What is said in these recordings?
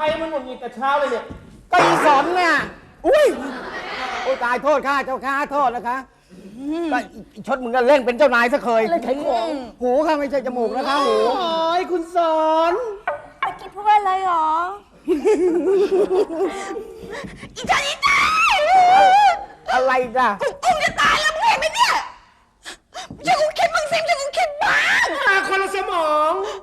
รมันหงุดหงิดแต่เช้าเลยเนี่ยก็อีสอนเนี่ยอุ้ยโอ้ตายโทษข้าเจ้าข้าโทษนะคะก็ชดมึงก็เล่นเป็นเจ้านายซะเคยอะไรขายของหูข้าไม่ใช่จมูกนะคะหูโอ้ยคุณสอนเมื่อกี้พูดว่าอะไรหรอ อีจันอีจันอะไรจ้ะกูจะตายแล้วมึงเห็นไหมเนี่ยช่วยกูคิดบ้างสิช่วยกูคิดบ้างมาคนละสมอง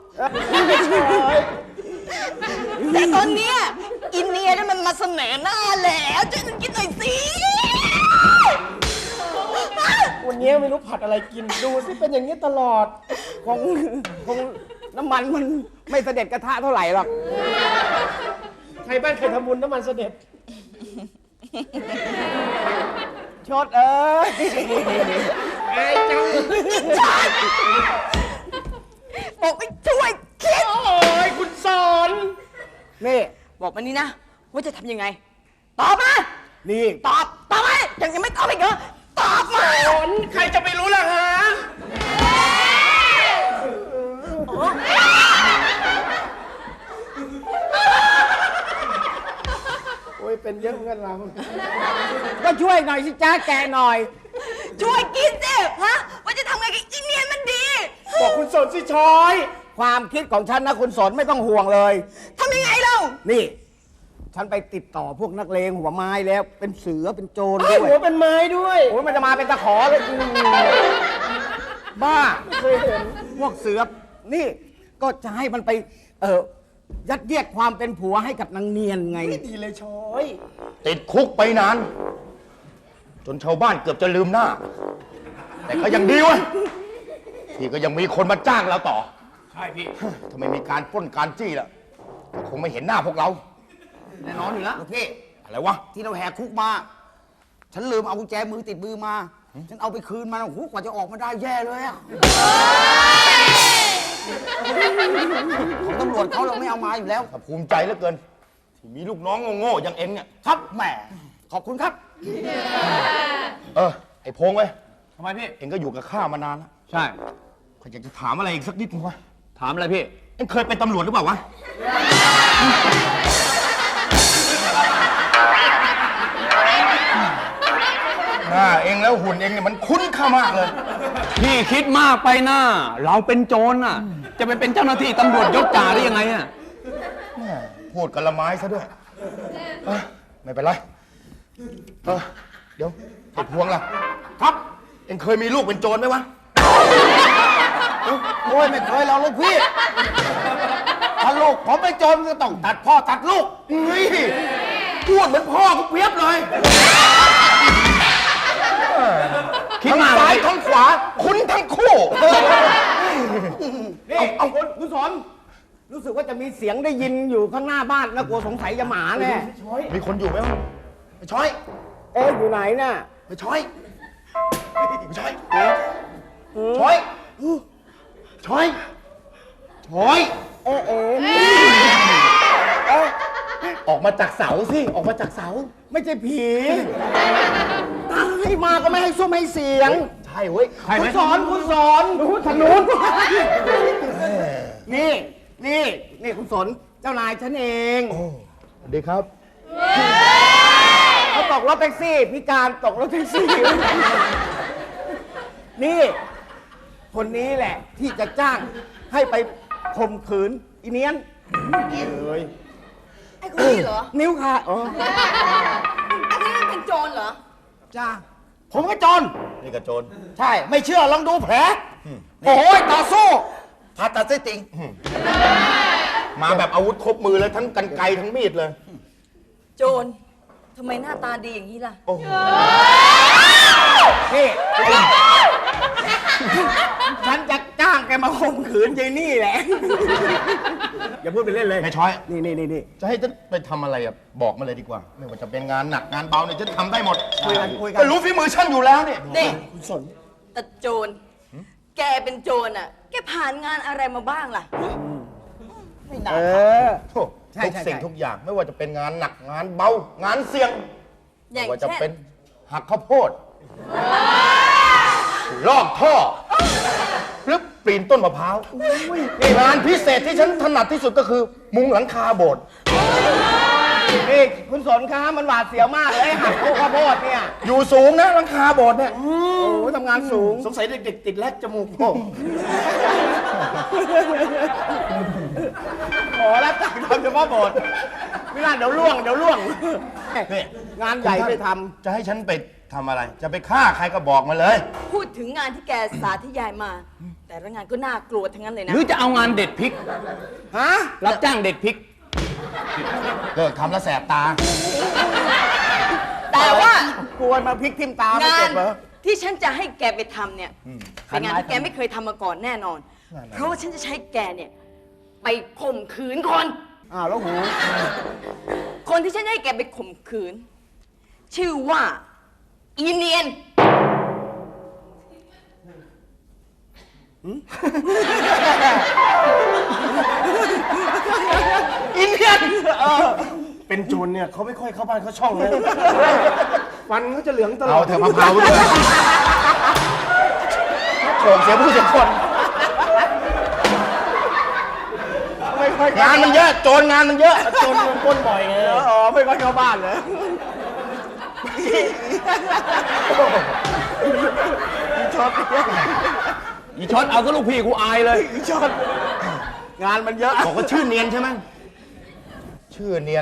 แต่ตอนเนี้ยอินเนียเนี่ยมันมาเสนอหน้าแล้วช่วยกูคิดหน่อยสิวันนี้ไม่รู้ผัดอะไรกินดูสิเป็นอย่างนี้ตลอดคงน้ำมันมันไม่เสด็จกระทะเท่าไหร่หรอกใครบ้านใครทำบุญน้ำมันเสด็จชดเอ้ยไอ้จังบอกไปช่วยคิดโอ้ยคุณสอนนี่บอกมานี่นะว่าจะทำยังไงตอบมานี่ตอบมายังไม่ตอบอีกเหรอตอบมาสอนใครจะไปรู้ล่ะฮะโอ้ยเป็นเยอะเหมือนกันเราก็ช่วยหน่อยสิจ้าแกหน่อยช่วยคิดสิฮะว่าจะทำไงกับอินเนียนมันดีบอกคุณสอนสิชอยความคิดของฉันนะคุณสนไม่ต้องห่วงเลยทำยังไงเรานี่ ฉันไปติดต่อพวกนักเลงหัวไม้แล้วเป็นเสือเป็นโจรไอ้ด้วยหัวเป็นไม้ด้วยโอ้ยมันจะมาเป็นตะขอเลยบ้าเคยเห็นพวกเสือนี่ก็จะให้มันไปยัดเยียดความเป็นผัวให้กับนางเนียนไงไม่ดีเลยชอยติดคุกไปนาน จนชาวบ้านเกือบจะลืมหน้า แต่ก็ยังดีวะที่ก็ยังมีคนมาจ้างเราต่อใช่พี่ถ้าไม่มีการปล้นการจี้แล้วก็คงไม่เห็นหน้าพวกเราแน่นอนอยู่แล้วพี่อะไรวะที่เราแหกคุกมา ฉันลืมเอากุญแจมือติดมือมา ฉันเอาไปคืนมันโอ้โหกว่าจะออกมาได้แย่เลยอะของตำรวจเขาเราไม่เอามาอยู่แล้วถ้าภูมิใจเหลือเกิน ที่มีลูกน้องโง่ๆอย่างเอ็งเนี่ยครับแหมขอบคุณครับไอ้พงษ์เว้ยทำไมพี่เอ็งก็อยู่กับข้ามานานแล้วใช่ข้าอยากจะถามอะไรอีกสักนิดนึงวะถามอะไรพี่เอ็งเคยเป็นตำรวจหรือเปล่าวะ หน้าเอ็งแล้วหุ่นเอ็งเนี่ยมันคุ้นข้ามากเลยพี่คิดมากไปนะเราเป็นโจรน่ะ จะไปเป็นเจ้าหน้าที่ตำรวจยศจ่าได้ยังไงอ่ะพูดกันละไม้ซะด้วยไม่เป็นไรเดี๋ยวไอ้พวงล่ะ ครับ เอ็งเคยมีลูกเป็นโจรไหมวะโอ้ยไม่เคยเราลูกพี่ ถ้าลูกผมไปโจรก็ต้องตัดพ่อตัดลูกเฮ้ยพูดเหมือนพ่อกูเปรียบเลยคิดทั้งมากซ้ายเลยทั้งขวา คุ้นทั้งคู่นี่เอาคุณสอนรู้สึกว่าจะมีเสียงได้ยินอยู่ข้างหน้าบ้านแล้วกลัวสงสัยจะหมาแน่มีคนอยู่ไหมวะไปช้อยเอ๊ะอยู่ไหนน่ะไปช้อยไปช้อยช้อยช้อยช้อยเอ๊ะออกมาจากเสาสิออกมาจากเสาไม่ใช่ผีตายมาก็ไม่ให้ซุ้มให้เสียงใช่เว้ยคุณสอนทางนู้นนี่คุณสนเจ้านายฉันเองสวัสดีครับเขาตกรถแท็กซี่พิการตกรถแท็กซี่ นี่ คนนี้แหละที่จะจ้างให้ไปข่มขืนอีเนียนไอ้คนนี้เหรอนิ้วขาดไอ้คนนี้เป็นโจรเหรอจ้าผมก็จนนี่กระโจนใช่ ไม่เชื่อลองดูแผลโอ้ยต่อสู้ผ่าตัดไส้ติ่งมาแบบอาวุธครบมือเลยทั้งกรรไกรทั้งมีดเลยโจรทำไมหน้าตาดีอย่างนี้ล่ะนี่ ฉันจะจ้างแกมาข่มขืนยายนี่แหละ อย่าพูดไปเล่นเลยไม่ช้อยนี่จะให้ฉันไปทำอะไรอ่ะบอกมาเลยดีกว่า ไม่ว่าจะเป็นงานหนักงานเบาเนี่ยฉันทำได้หมดคุยกันก็รู้ฝีมือฉันอยู่แล้วเนี่ยนี่คุณสนแต่โจร แกเป็นโจรอ่ะ แกผ่านงานอะไรมาบ้างล่ะ ไม่น่าเออโถ่ใช่ทุกใช่สิ่งใช่ทุกอย่างไม่ว่าจะเป็นงานหนักงานเบางานเสี่ยงอย่างไม่ว่าจะเช่นเป็นหักข้าวโพดลอกท่อหรือปีนต้นมะพร้าวงานพิเศษที่ฉันถนัดที่สุดก็คือ มุงหลังคาโบสถ์โอ้นี่คุณสนคะมันหวาดเสียวมากเลยหักลูกข้าวโพดเนี่ยอยู่สูงนะหลังคาโบสถ์เนี่ยโอ้โหทำงานสูงสงสัยเด็กๆติดแลกจมูกโป่งขอรับจากทำเฉพาะโบสถ์ไม่น่าเดี๋ยวล่วงนี่งานใหญ่ไม่ทจะให้ฉันไปทำอะไร จะไปฆ่าใครก็บอกมาเลยพูดถึงงานที่แกสาธยายมา แต่ละงานก็น่ากลัวทั้งนั้นเลยหนะรือจะเอางานเด็ดพริกำฮะรับจ้างเด็ดพริกเลิกทำแล้วแสบตาแต่ว่ากลัวมาพลิกทิ่มตาไม่งาเจ็นบเหรอที่ฉันจะให้แกไปทำเนี่ยเป็นงานที่แกไม่เคยทำมาก่อนแน่นอน เพราะว่าฉันจะใช้แกเนี่ยไปข่มขืนคนอ้าวแล้วหูคนที่ฉันให้แกไปข่มขืน ชื่อว่าอีเนียนอินเดียนเป็นโจรเนี่ยเขาไม่ค่อยเข้าบ้านเข้าช่องเลยฟันเขาจะเหลืองตลอเอาดเถอะมะพร้าวด้วยโฉมเสียผู้เสียคนไม่ค่อยงานมันเยอะ โจรงานมันเยอะโจรมันปล้นบ่อยไงอ๋อไม่ค่อยเข้าบ้านเลยอีชดเอาก็ลูกพี่กูอายเลยชอบงานมันเยอะบอกว่าชื่อเนียนใช่ไหมชื่อเนียน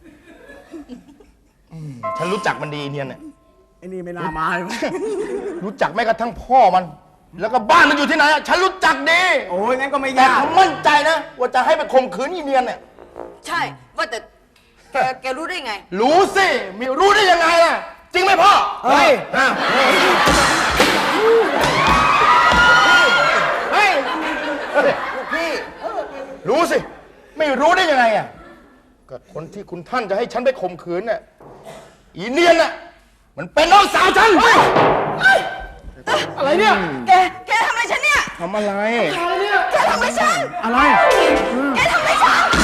ฉันรู้จักมันดีเนียนเนี่ยไอ้นี่ไม่น่ามาเลยรู้จักแม้กระทั่งพ่อมัน แล้วก็บ้านมันอยู่ที่ไหนอะฉันรู้จักดีโอ้ยงั้นก็ไม่แต่ยากผมมั่นใจนะว่าจะให้ไปข่มขืนอีเนียนเนี่ยใช่ว่าแต่แกรู้ได้ไงรู้สิมีรู้ได้ยังไงล่ะ จริงไหมพ่อเฮ้ยอ่ะเฮ้ยพี่รู้สิ ไม่รู้ได้ยังไงอ่ะก็คนที่คุณท่านจะให้ฉันไปข่มขืนน่ะอีเนียนน่ะมันเป็นน้องสาวฉันอะไรเนี่ยแกทำอะไรฉันเนี่ยทำอะไรแกทำอะไรฉันอะไรแกทำอะไรฉัน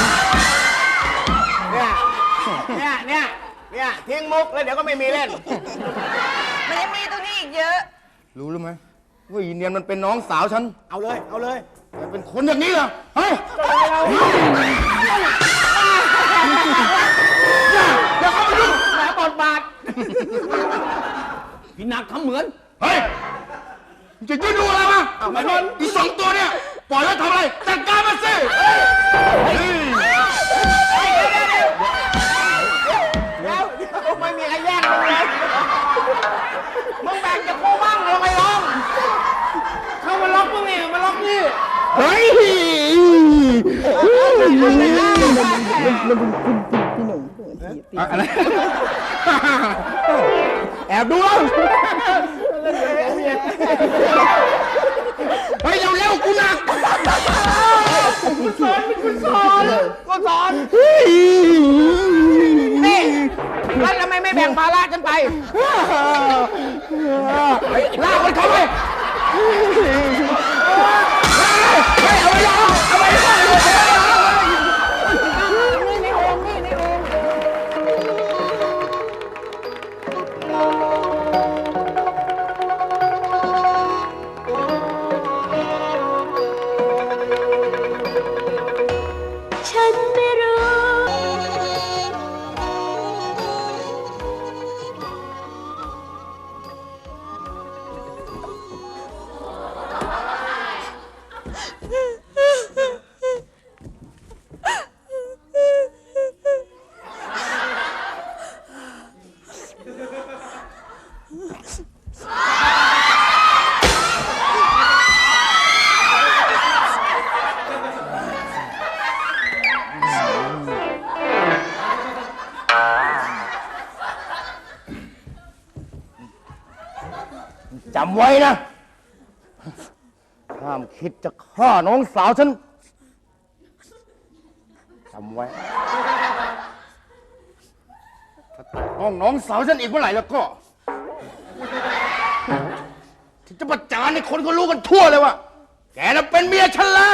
เนี่ยทิ้งมุกแล้วเดี๋ยวก็ไม่มีเล่นมันยังมีตรงนี้อีกเยอะรู้หรือไหมว่าอีเนียนมันเป็นน้องสาวฉันเอาเลยแต่เป็นคนอย่างนี้เหรอฮะอย่าเข้ามายุ่งแหมบทบาทพี่นักทำเหมือนเฮ้ยมึงจะยืนดูอะไรวะอีสองตัวเนี่ยปล่อยแล้วทำอะไรจัดการมันสิเฮ้ยเดี๋ยวไม่มีใครแย่งมึงเลยมึงแบ่งจากกูบ้างทำไมร้องเข้ามาล็อกมึงเนี่ยมาล็อกนี่เฮ้ยอะไรแอบดูแล้วเฮ้ยเร็วๆกูหนักกูสอนนี่แล้วทำไมไม่แบ่งภาระฉันไปลากมันเข้าไปฉันไม่รู้จำไว้นะ ห้ามคิดจะฆ่าน้องสาวฉัน จำไว้ ถ้าแตะต้องน้องสาวฉันอีกเมื่อไหร่แล้วก็ที่จะประจานให้คนเขารู้กันทั่วเลยว่า แกน่ะเป็นเมียฉันแล้ว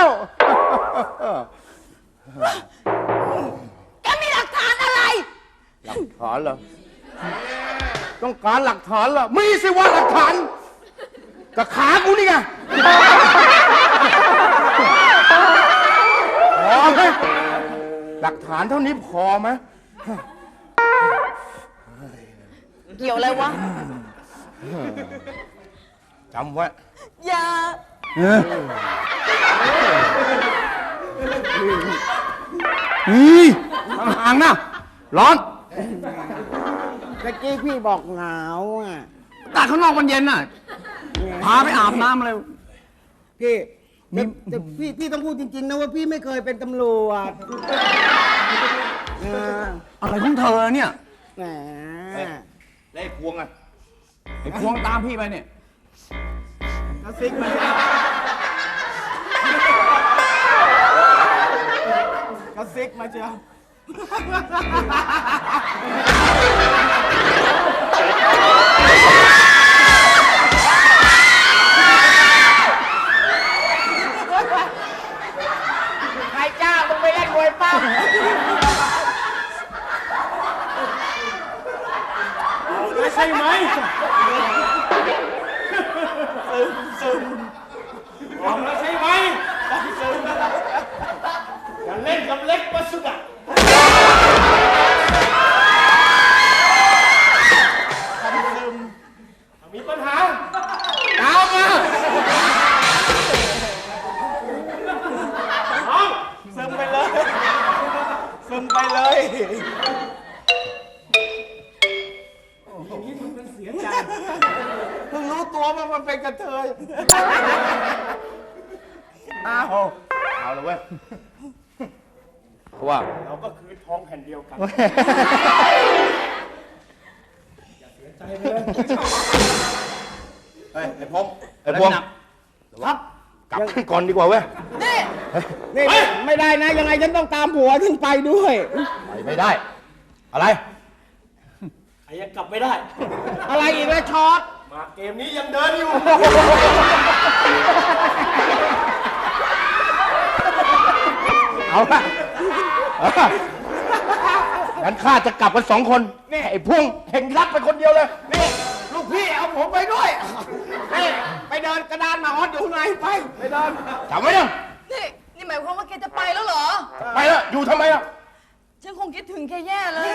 แกมีหลักฐานอะไรหลักฐานเหรอ ต้องการหลักฐานเหรอ มีสิว่าหลักฐานกับขากูนี่ไงพอไหมหลักฐานเท่านี้พอไหมเกี่ยวอะไรวะจำไว้อย่าห่างๆนะ ร้อนเมื่อกี้พี่บอกหนาวอ่ะตากข้างนอกมันเย็นน่ะ พาไปอาบน้ำอะไรพี่แต่พี่ต้องพูดจริงๆนะว่าพี่ไม่เคยเป็นตำรวจเอออะไรของเธอเนี่ยแหมแล้วไอ้พวงอ่ะไอ้พวงตามพี่ไปเนี่ยกระซิกมาก็ซิกมาเชียวใครจ้ามึงไปเล่นมวยปั้มใช่ไหมออกแล้วใช่ไหมอย่าเล่นกับเล็กวัสดุะมีปัญหาตามมาน้องซึมไปเลยซึมไปเลยเพิ่งรู้ตัวว่ามันเป็นกระเทยอ้าวเอาเลยเว้ยเพราะว่าเราก็คือทองแผ่นเดียวกันเฮ้ย ไอ้พงไอ้พวงครับกลับขึ้นก่อนดีกว่าเว้ยนี่ไม่ได้นะ ยังไงฉันต้องตามผัวถึงไปด้วยไปไม่ได้ อะไรใครยังกลับไม่ได้อะไรอีกแล้วช็อตมาเกมนี้ยังเดินอยู่เอาละงั้นข้าจะกลับกัน2 คนนี่ไอ้พวงเห็นรักไปคนเดียวเลยนี่ลูกพี่เอาผมไปด้วยนี่ไปเดินกระดานหมาฮอตอยู่ข้างในไปเดินจำไว้นะนี่หมายความว่าแกจะไปแล้วเหรอไปแล้วอยู่ทำไมอ่ะฉันคงคิดถึงแกแย่เลย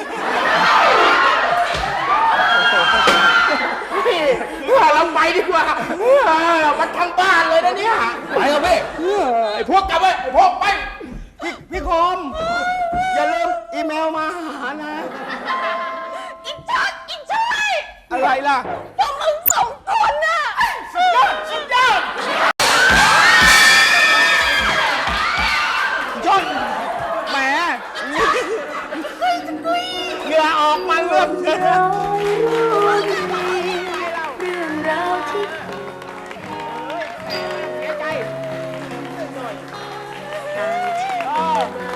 ว่าเราไปดีกว่ามันทั้งบ้านเลยนะเนี่ยไปเถอะพี่ไอ้พวกกลับไปไอ้พวกไปพี่คม อย่าลืมอีเมลมาหานะอีชัดอีชัยอะไรล่ะพวกมึง2 คนน่ะสุดยอดชนแหมเหงื่อออกมาเริ่มเยอะเรื่องราวที่เสียใจต่างที่